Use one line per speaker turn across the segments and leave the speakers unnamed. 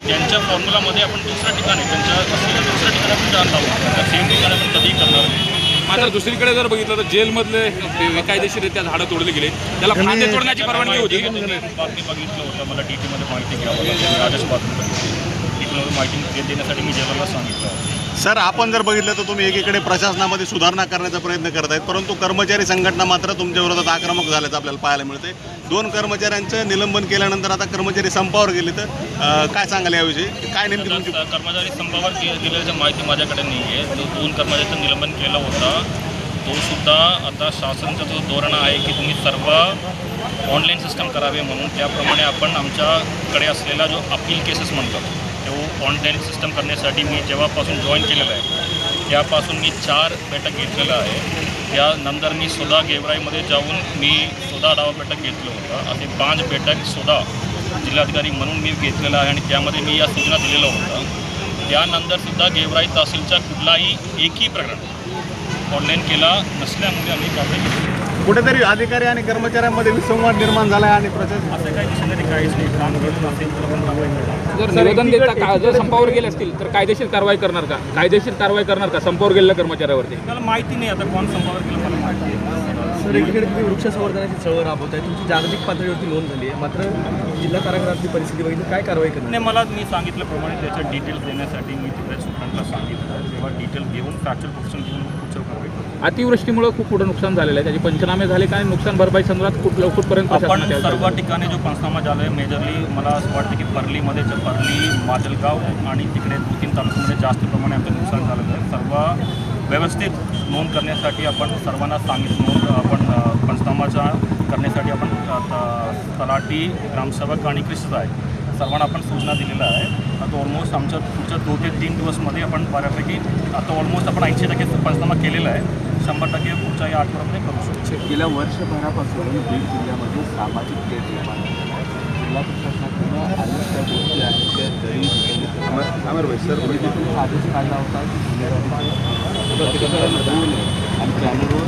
त्यांच्या फॉर्म्युलामध्ये आपण दुसऱ्या ठिकाणी त्यांच्या असलेल्या दुसऱ्या ठिकाणी आपण जाण लावू, त्या सेम ठिकाणी आपण कधीही करणार नाही.
मात्र दुसरीकडे जर बघितलं तर जेलमधले बेकायदेशीररित्या झाडं तोडली गेली, त्याला फांदे तोडण्याची परवानगी होती.
बातमी बघितलं होतं, मला DTमध्ये माहिती घ्यावं लागली, आदेश बातमी बघितली. DTमध्ये माहिती देण्यासाठी मी जेलाला सांगितलं.
सर, आपण जर बघितलं तर तुम्ही एकीकडे प्रशासनामध्ये सुधारणा करण्याचा प्रयत्न करत आहेत, परंतु कर्मचारी संघटना मात्र तुमच्या विरोधात आक्रमक झाल्याचं आपल्याला पाहायला मिळते. 2 कर्मचाऱ्यांचं निलंबन केल्यानंतर आता कर्मचारी संपावर गेले, तर काय सांगाल याविषयी? काय नेमकी तुमची
कर्मचारी संपावर गेल्याची माहिती माझ्याकडे नाही आहे. जो 2 कर्मचाऱ्यांचं निलंबन केलं होतं तो सुद्धा आता शासनाचं जो धोरण आहे की तुम्ही सर्व ऑनलाईन सिस्टम करावे म्हणून, त्याप्रमाणे आपण आमच्याकडे असलेला जो अपील केसेस म्हणतात तो ऑनलाईन सिस्टम करण्यासाठी मी जेव्हापासून जॉईन केलेलं आहे त्यापासून मी 4 बैठक घेतलेलं आहे. त्यानंतर मी स्वतः गेवराईमध्ये जाऊन मी स्वतः आढावा बैठक घेतलं होतं. असे 5 बैठक स्वतः जिल्हाधिकारी म्हणून मी घेतलेलं आहे आणि त्यामध्ये मी या सूचना दिलेलं होतं. त्यानंतरसुद्धा गेवराई तहसीलचा कुठलाही एकही प्रकरण ऑनलाईन केला नसल्यामुळे आम्ही कारवाई केली.
कुठेतरी अधिकारी आणि कर्मचाऱ्यांमध्ये विसंवाद निर्माण झाला आहे आणि प्रशासन
असं काही दिसणारी काहीच नाही. काम करत असेल तर आपण कारवाई करणार.
जर निवेदन देता जर संपावर गेले असतील तर कायदेशीर कारवाई करणार का? कायदेशीर कारवाई करणार का संपावर गेलेल्या कर्मचाऱ्यावरती?
मला माहिती नाही आता कोण संपावर गेलं, मला माहिती आहे.
सर, एकीकडे तुम्ही वृक्ष संवर्धनाची चळवळ राबवत आहे, तुमची जागतिक पातळीवरती नोंद झाली आहे, मात्र जिल्हा कारागृहातली परिस्थिती बघितली, काय कारवाई करणार?
नाही, मी सांगितल्याप्रमाणे त्याच्या डिटेल्स देण्यासाठी मी तिकडे सुप्रांतला सांगितलं. तेव्हा डिटेल्स घेऊन फॅक्चर प्रोफेशन घेऊन पुढच्या कारवाई करू.
अतिवृष्टीमुळे खूप मोठं नुकसान झालेलं आहे, त्याचे पंचनामे झाले का? नुकसान भरपाई संदर्भात कुठपर्यंत
आपण सर्व ठिकाणी जो पंचनामा झाला आहे मेजरली मला असं वाटतं की परलीमध्ये परली, माजलगाव आणि तिकडे 2-3 तालुक्यामध्ये जास्त प्रमाणे आमचं नुकसान झालेलं आहे. सर्व व्यवस्थित नोंद करण्यासाठी आपण सर्वांना सांगितलं. आपण पंचनामाचा करण्यासाठी आपण तलाठी, ग्रामसेवक आणि कृषी आहे सर्वांना आपण सूचना दिलेल्या आहे. आता ऑलमोस्ट आमच्या पुढच्या 2 ते 3 दिवसमध्ये आपण बऱ्यापैकी आता ऑलमोस्ट आपण 80% पंचनामा केलेला आहे. 100% पुढच्या या आठवड्यामध्ये करू शकतो.
गेल्या वर्षभरापासून बीड जिल्ह्यामध्ये सामाजिक तेढ निर्माण झाली आहे. जिल्हा प्रशासनाकडून अनेक त्या गोष्टी आहेत त्या जरी आदेश काढला होता की जिल्ह्यामध्ये आणि चॅनलवर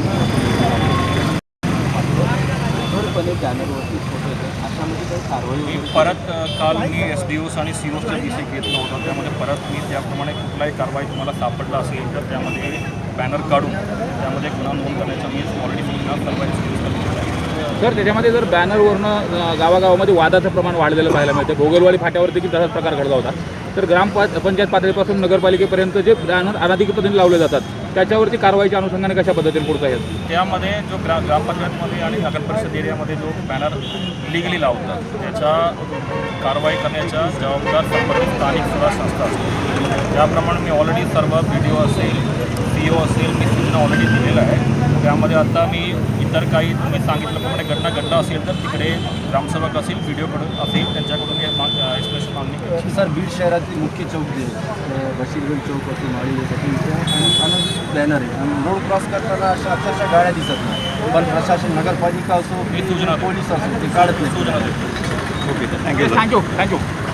कठोरपणे चॅनलवरती फोटो येतात, अशामध्ये काही कारवाई
मी परत काल मी SDOs आणि COचा विषय घेतला होता. त्यामध्ये परत मी त्याप्रमाणे कुठलाही कारवाई तुम्हाला सापडला असेल तर त्यामध्ये बॅनर काढून त्यामध्ये गुन्हा नोंद करण्याचा मी ऑलरेडी सूचना सर्व SDOsला दिलेला आहे.
सर, त्याच्यामध्ये जर बॅनरवरनं गावागावामध्ये वादाचं प्रमाण वाढलेलं पाहायला मिळते. भोगलवाडी फाट्यावर देखील तसाच प्रकार घडला होता. तर पंचायत पातळीपासून नगरपालिकेपर्यंत जे बॅनर अनाधिकृत पद्धतीने लावले जातात त्याच्यावरती कारवाईच्या अनुषंगाने कशा पद्धतीने पुढचं आहे?
त्यामध्ये जो ग्रामपंचायतमध्ये आणि नगरपरिषद एरियामध्ये जो बॅनर लिगली लावतात त्याच्या कारवाई करण्याच्या जबाबदार संबंधित स्थानिक स्वराज्य संस्था असतात. त्याप्रमाणे मी ऑलरेडी सर्व BDO असेल, CO असेल, मी सूचना ऑलरेडी दिलेलं आहे. त्यामध्ये आता मी इतर काही तुम्ही सांगितल्याप्रमाणे घटना घडला असेल तर तिकडे ग्रामसेवक असेल, BDOकडून असेल त्यांच्याकडून हे एक्सप्रेशन मागणी केली.
सर, बीड शहरातील मुख्य चौक जे बशीरगंज चौक असेल, माळी अनेक बॅनर आहे आणि रोड क्रॉस करताना अशा अक्षरशः गाड्या दिसत नाही, पण प्रशासन नगरपालिका असो,
मी सूचना
पोलीस असो, ते काढत नाही.
सूचना देतो.
Okay, thank you.